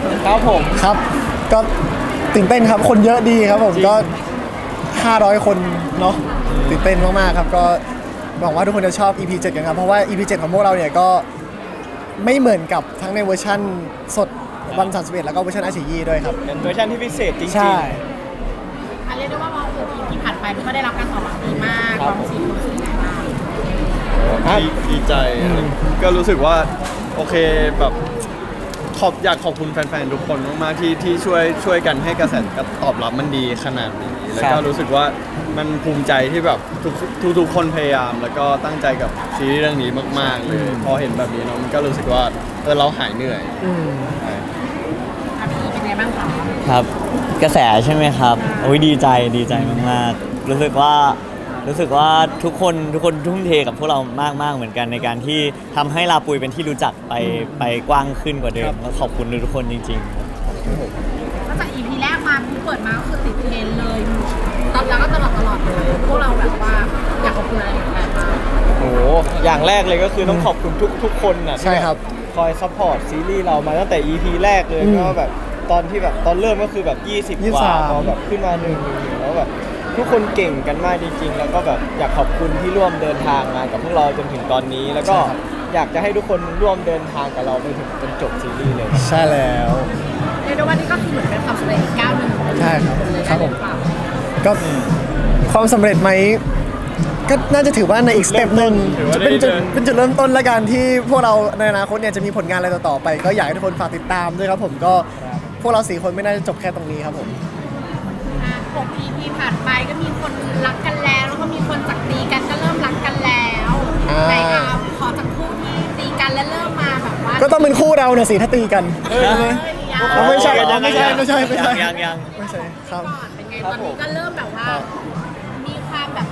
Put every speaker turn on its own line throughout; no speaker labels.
ครับผม
ครับก็ตื่นเต้นครับคนเยอะดีครับผมก็500 คนเนาะตื่นเต้นมากๆครับก็หวังว่าทุกคนจะชอบ EP 7กันครับเพราะว่า EP 7ของพวกเราเนี่ยก็ไม่เหมือนกับทั้งในเวอร์ชั่นสดวัน31แล้วก็เวอร์ชันอาชียี่ด้วยครับ
เป็นเวอร์ชันที่พิเศษจริงๆ
ใช่
เรียกได้ว่าที่ผ่านไปก็ได้รับการตอบรับดีมากความรู้สึกยังไงบ้าง
ดีใจก็รู้สึกว่าโอเคแบบอยากขอบคุณแฟนๆทุกคนมากๆที่ช่วยกันให้กระแสตอบรับมันดีขนาดนี้แล้วก็รู้สึกว่ามันภูมิใจที่แบบทุกคนพยายามแล้วก็ตั้งใจกับซีรีส์เรื่องนี้มากๆเลยพอเห็นแบบนี้เนาะมันก็รู้สึกว่าเราหายเหนื่อยใช่
พี่เป็นไงบ้างคะ
ครับกระแสใช่ไหมครับโอ้ยดีใจมากๆรู้สึกว่าทุกคนทุ่มเทกับพวกเรามากๆเหมือนกันในการที่ทำให้ลาปุยเป็นที่รู้จักไปกว้างขึ้นกว่าเดิมแล้วขอบคุณทุกคนจริงๆ
ก็จาก EP แรกมาเปิดมาก็คือติดเทรนด์เลยตอนแล้วก็ตลอดเลยพวกเราแบบว่าอยากขอบคุณอะไรอย่างไรบ้าง
โอ้โหอย่างแรกเลยก็คือต้องขอบคุณทุกคนนะ
ใช่ครับ
คอยซัพพอร์ตซีรีส์เรามาตั้งแต่ EP แรกเลยก็แบบตอนที่แบบตอนเริ่มก็คือแบบ20กว่าพอแบบขึ้นมา1แล้วแบบทุกคนเก่งกันมากจริงๆแล้วก็แบบอยากขอบคุณที่ร่วมเดินทางมากับพวกเราจนถึงตอนนี้ แล้วก็อยากจะให้ทุกคนร่วมเดินทางกับเราไปถึงจนจบซีรีส์เลย
ใช่แล้ว
เรียกได้ว่านี่ก็คือเหมือนเป็นความสำเร็จอีกก้าวหนึ่ง
ใช่ครับ
เลย
ครับผม
ได้หอเปล่า
ก็ความสำเร็จไหมก็น่าจะถือว่าในอีกสเต็ปหนึ่ง
ถือว่า
จะ
ได้
เป็นจุดเริ่มต้นละกันที่พวกเราในอนาคตเนี่ยจะมีผลงานอะไรต่อๆไป ก็อยากให้ทุกคนฝากติดตามด้วยครับผมก็พวกเรา4 คนไม่น่าจะจบแค่ตรงนี้ครับผม
6 EP ผ่านไปก็มีคนรักกันแล้วแล้วก็มีคนจากตีกันก็เริ่มรักกันแล้ว
อ่า
ในขอจากคู่ที่ตีกันแล้วเริ่มมาแบบว่า
ก็ต้องเป็นคู่เราเนี่ยสิถ้าตีกันใช่ไหม
ยัง
ไม่ใช่
ยัง
ไม่ใช่ไม่ใช่ไม่ใช่
ยัง
ไม่ใช่ครับ
ก่อนเป็นไงตอนนี้ก็เริ่มแบบว่า มีความแบบ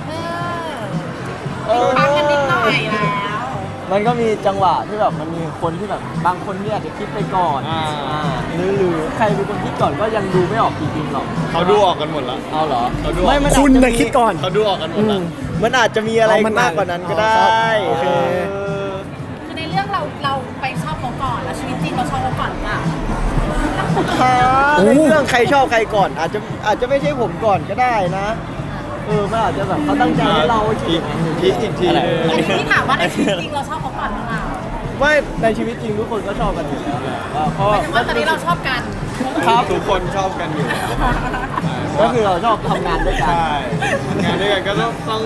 ปังกันนิดหน่อยแล้ว
มันก็มีจังหวะที่แบบมันมีคนที่แบบบางคนที่อาจจะคิดไปก่อนหรือใครเป็นคนคิดก่อนก็ยังดูไม่ออกจริงๆหรอก
เขาดูออกกันหมดแล้ว
เอาเหรอ
เขาดูออก
ไม่มันอาจ
คุณ
จะ
น่ะคิดก่อน
เขาดูออกกันหมดแล้ว
มันอาจจะมีอะไร
อ๋อมัน
มากกว่านั้นก็ได้
อ๋อครับโอเค
คือในเรื่องเราไปชอบเขาก่อนแล้วชีวิตจริงเราชอบเขาก่อนหรือเปล่า
ในเรื่องใครชอบใครก่อน อาจจะไม่ใช่ผมก่อนก็ได้นะมันอาจจะแบบเขาตั้งใจให้เราคิดอย่างนั้นอยู่
พีคอีกทีหนึง
อันนี้ที่ถามว่าในชีวิตจริงเราชอบเขาก่อนหรือเปล่า
ไม่ในชีวิตจริงทุกคนก็ชอบกันอยู่แล้วแหละเพราะ
หมายถึงว่าตอนนี้เราชอบกัน
ทุกคนชอบกันอยู่แล้ว
ก็คือเราชอบทำงานด้วยกัน
ใช่งานด้วยกันก็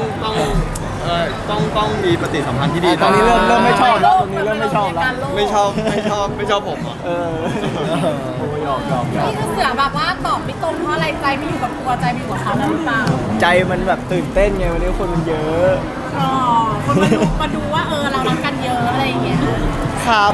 ต้องมีปฏิสัมพันธ์ที่ดี
ตอนนี้เริ่มไม่ชอบแล้วตอนนี้เริ่มไม่ชอบแล้ว
ไม่ชอบผมอ่ะ
โอ้ยอม
นี่คือเสือแบบว่าตอบไม่ตรงเพราะอะไรใจไม่อยู่กับตัวใจไม่อยู่กับเขาแล้วหรือเปล่า
ใจมันแบบตื่นเต้นไงวันนี้คนมันเยอะ
อ๋อคนมาดูว่าเรารักกันเยอะอะไรอย่างเงี้ย
ครับ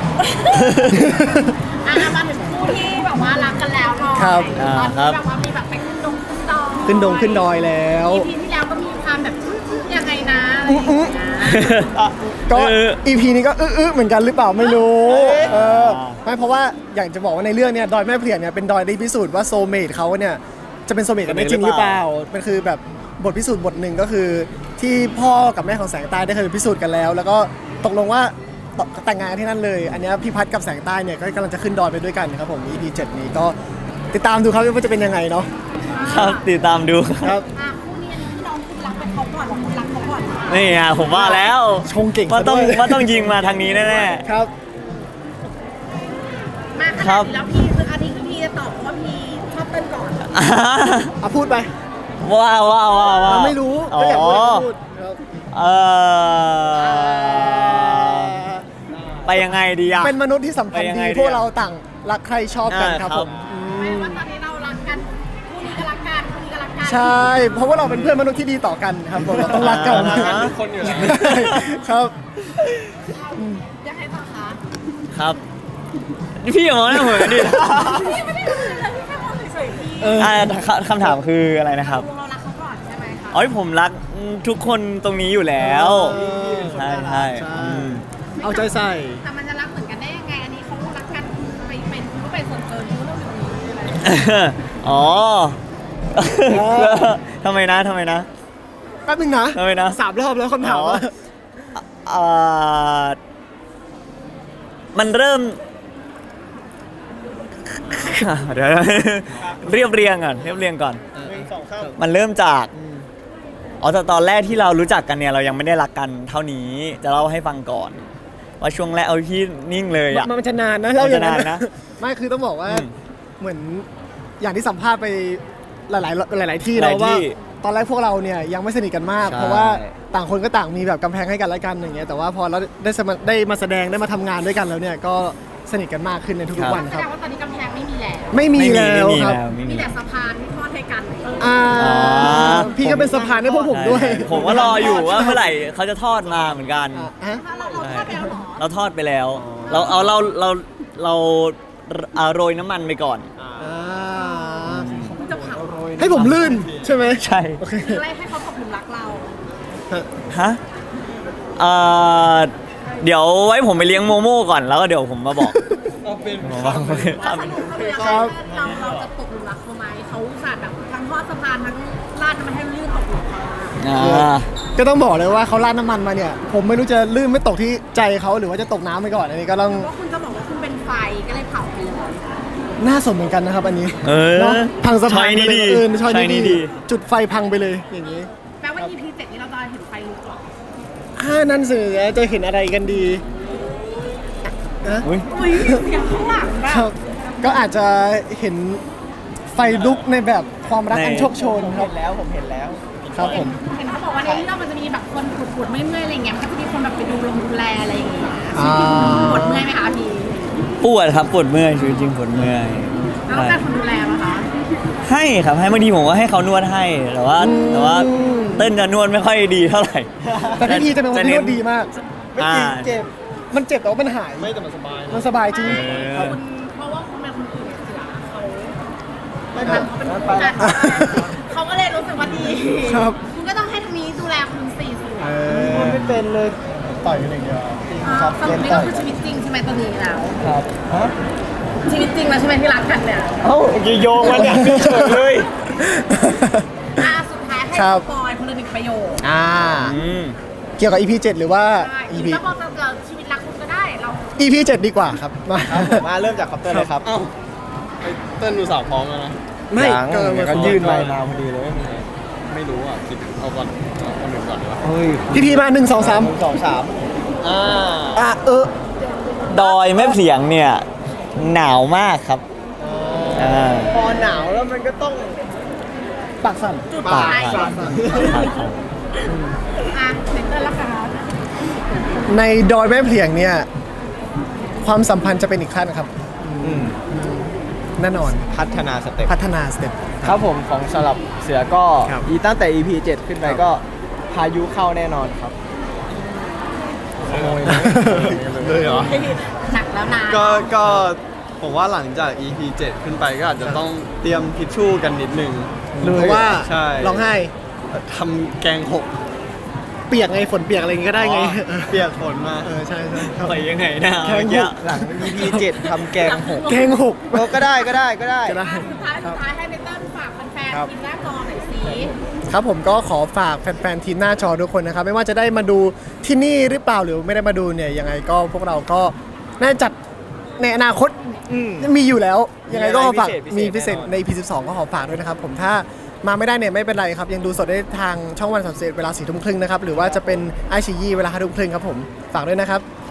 มาถึงคู่ที่แบบว่ารักกันแล้วหน่อย
ครับ
ตอนนี้แบบว่ามีแบบไปขึ้นดอย
ขึ้นดอยแล้ว
EP ที่แล้วก็มีความแบบยังไงนะอะไรอย่างเงี้ย
ก็ EP นี้ก็เหมือนกันหรือเปล่าไม่รู้ไม่เพราะว่าอยากจะบอกว่าในเรื่องเนี่ยดอยแม่เปลี่ยนเนี่ยเป็นดอยที่พิสูจน์ว่าโซลเมทเขาเนี่ยจะเป็นโซลเมทกันได้จริงหรือเปล่ามันคือแบบบทพิสูจน์บทหนึ่งก็คือที่พ่อกับแม่ของแสงใต้ได้เคยพิสูจน์กันแล้ว แล้วก็ตกลงว่าแต่งงานที่นั่นเลย อันนี้พี่พัดกับแสงใต้เนี่ยก็กำลังจะขึ้นดอยไปด้วยกันครับผม EP 7 นี้ก็ติดตามดูครับว่าจะเป็นยังไงเนาะ
ครับติดตามดู
ครับ
คู่นี้ที่น้องคุณรักเป็นเขาก่อนหรือคุณรักเขาก่อน
นี่ไงผมว่าแล้ว
ชงเก่ง
ว่า
ซะ
ต้อง
ด้วย
ว่าต้องยิงมาทางนี้แน่
ครับ
มาขนาดนี้แล้วพี่คืออาทิตย์พี่จะตอบว่าพี่ชอบเต้นก่อน
ๆ
พูดไป
ว้าว
ไม่รู้
อ๋อ
ก็อยากพูดก็พูดครับ
ไปยังไงดีอะ
เป็นมนุษย์ที่สัมพันธ์
ไปยัง
ดี
ไงดีอะ
พวกเราต่างรักใครชอบกันครับ
อ่า
ผ
ครับ
ม
ไม่ว่าตอนนี้เรารักกันคู่นี้ก็รักกันคู่นี้ก็รักกัน
ใช่ เพราะว่าเราเป็นเพื่อนมนุษย์ที่ดีต่อกันครับผมเราต้องรักกัน
รักกันทุกคนอยู่แล้ว
ครับ
อยากให้ต่อคะ
ครับพี่อย่ามองหน้าผมดิ
พี่ไม่ได้รู้เลยพี่แค่มองเฉยๆพี่
คำถามคืออะไรนะครับ
เรารักเขาก่อนใช่ไหมคะ
อ๋อผมรักทุกคนตรงนี้อยู่แล้ว ใช่อืม
เอาใจใส่
แต่มันจะรักเหมือนกันได้ยังไงอันนี้เขารักกันไปเป็นรู้เป็นส่วนเกินรู้เรื่องนี้อะไร
อ๋อทำไมนะ
แป๊บนึงนะ
ทำไมนะ
3 รอบแล้วคำถามว่า
อ่ามันเริ่มเดี๋ยวเรียบเรียงก่อน
1 2 3
มันเริ่มจากแต่ตอนแรกที่เรารู้จักกันเนี่ยเรายังไม่ได้รักกันเท่านี้จะเล่าให้ฟังก่อน ว่าช่วงแรกเอาพี่นิ่งเลยอ่ะ
มันจะนานนะเล่าอย่างนั้น
มันจะนานนะ
ไม่คือต้องบอกว่า
อืม
เหมือนอย่างที่สัมภาษณ์ไปหลายที่
ห
แล้
ลายว
ว่า
ที่
ตอนแรกพวกเราเนี่ยยังไม่สนิทกันมาก
ใช่
เพราะว่าต่างคนก็ต่างมีแบบกำแพงให้กันและกันอย่างเงี้ยแต่ว่าพอเราได้มาแสดงได้มาทำงานด้วยกันแล้วเนี่ยก็สนิทกันมากขึ้นในทุกๆวัน
แส
ครั
ด
บ
งว่าตอนนี้กำแพงไม่มีแล้ว
ไม่มีแล้วครับ
ไม่
มี
มี
แต่สะพานที่ทอดให้กัน
อ่าพี่ก็เป็นสะพานให้พวกผมด้วย
ผมก็รออยู่ว่าเมื่อไหร่เขาจะทอดมาเหมือนกัน
ฮะ
เราทอดไปแล้วเหรอ
เราทอดไปแล้ว เราโรยน้ำมันไปก่อน
คุณจะเผา
ให้ผมลื่นใช่ไหม
ใช่
โอเค
หรืออะไรให้เขาตกหลุมรักเรา
ฮะเดี๋ยวไว้ผมไปเลี้ยงโมโม่ก่อนแล้วก็เดี๋ยวผมมาบอก
เอาเป็น
แล้วสรุปคือยังไงเราจะตกหลุมรักเขาไหมเขาอุตส่าห์แบบทั้งทอดสะพานทั้งลาดน้ำมันให้ลื่นตกหลุมเขา
ก็ต้องบอกเลยว่าเขาราดน้ำมันมาเนี่ย ผมไม่รู้จะลื่นไม่ตกที่ใจเขาหรือว่าจะตกน้ำไปก่อนอันนี้ก็ต้อง
ว่าคุณจะบอกว่าคุณเป็นไฟก็เลยเผาไปเลย
น่าสนเหมือนกันนะครับอันนี้
เออ
เนาะพังสะพาน
ช้อยนี้
ไปเลย
ดี
ช้อย
ช้อยนี้
นี้
ดี
ดีจุดไฟพังไปเลยอย่างนี้
แปลว่า EP 7นี้เราจะเห็นไฟลุกเหรอ
นั่นสิจะเห็นอะไรกันดีนะ
อุ๊ย
อุ้ยเสียงข้างหลังแบ
ครับ บก็อาจจะเห็นไฟลุกในแบบความรักอันโชคโชนครับ
ผมเห็นแล้ว
ครับผม
เห็นเขาบอกว่าในเรื่องมันจะมีแบบคนปวดๆเมื่อยๆอะไรเงี้ยมันก็จะมีคนแบบไปดูแลอะไรอย่างเงี้ย
อ่า
ปวดเมื่อยไหมคะพี่
ปวดครับปวดเมื่อยชีวิตจริงปวดเมื่อย
แล้วต้องการคนดูแลไหมคะ
ให้ครับให้บางทีผมก็ให้เขานวดให้แต่ว่าเต้นจะนวดไม่ค่อยดีเท่าไหร่
แต่พี่ทีจะเป็นคนที่นวดดีมาก
ไม่จริงเจ็บ
มันเจ็บแต่ว่ามันหาย
ไม่แต่มันสบาย
มันสบายจริง
คุณเพราะว่าคุณเป็นคนอื่นเสือเขา
ไม่
เขา
เป็น
เป็น
ไป
ผู้จัดเขาก็เลยรู้สึกว่าดี
ครับ
คุณก็ต้องให้ทางนี้ดูแลคุณสี่เสือ
มันไม่เป็นเลยต่อยกันอย่างเดียวครับ
สรุปนี่ก็คือชีวิตจริงใช่ไหมตอนนี้แล้ว
ครับฮะ
ชีวิตจริงแล้วใช่ไหมที่รักกันเนี่ย
เอ้าโยงมันเนี่ยเฉยเลย
สุดท้ายให้
ครับ
ปอยคนละหนึ่งประโยค
เกี่ยวกับ EP 7 หรือว่า
ใช่
EP
แล้วบอกจะชีวิตรักคุณก็ได้เรา
EP 7 ดีกว่าครับมา
ครับผมมาเริ่มจากคอปเตอร์เลยครับ
เอ้าไอ้เต้นดูสาวพร้อมแล้วนะ
ไม่
ยัง
เกิน
เดี๋ยวก็ยื่นไมค์มาพอดีเลย
ไม่รู้อ่ะคิดเอาก่อนเอาคนหนึ่งก่อนดีกว่า
เฮ้ย
พี่พีมา1 2 3
1 2 3
อ่ะ
ดอยแม่เสียงเนี่ยหนาวมากครับ
พอหนาวแล้วมันก็ต้อง
ปากสั่น
จุด
ปาก
ท้าย
ครับ
เซ็นเตอร์ละค่ะ
ในดอยแม่เพลียงเนี่ย ความสัมพันธ์จะเป็นอีกขั้นครับ แน่นอน
พัฒนาสเต็ป
พัฒนาสเต็ป
ครับผมของสำหรับเสือก็
ครับ
ตั้งแต่ EP 7 ขึ้นไปก็พายุเข้าแน่นอนครับ
เลยเหรอ
หนักแล้วนะ
ก็ผมว่าหลังจาก EP 7 ขึ้นไปก็อาจจะต้องเตรียมทิชชู่กันนิดนึง
เพราะว่า
ใช่
ร้องไห้
ทำแกงหก
เปียกไงฝนเปียกอะไรอย่างงี้ก็ได้ไง
อ๋อเปียกฝนมา
ใช่ใช่ครับ
ไปยังไงนะ
แกงหก
หลัง EP 7 ทำแกงหก
แกงหก
ก็ได้ก็ได้ก็ได้
ก็ได้
สุดท้ายให้เบเติ้ลฝากแฟน
ครับ
ๆกินหน้าจอหน่อยสิ
ครับผมก็ขอฝากแฟนๆทีมหน้าจอทุกคนนะครับ ไม่ว่าจะได้มาดูที่นี่หรือเปล่าหรือไม่ได้มาดูเนี่ยยังไงก็พวกเราก็น่าจัดในอนาคตมีอยู่แล้ว ยังไงก็ขอฝาก
มี
มี
อะไรพิ
พิ
เศ
เศ
ษ
ษ
แน่นอน
ใน EP 12 ก็ขอฝากด้วยนะครับผมถ้ามาไม่ได้เนี่ยไม่เป็นไรครับ ยังดูสดได้ทางช่องวัน31เวลา4 ทุ่มครึ่งนะครับ หรือว่าจะเป็นไอชียีเวลา5 ทุ่มครึ่งครับผมฝากด้วยนะครับ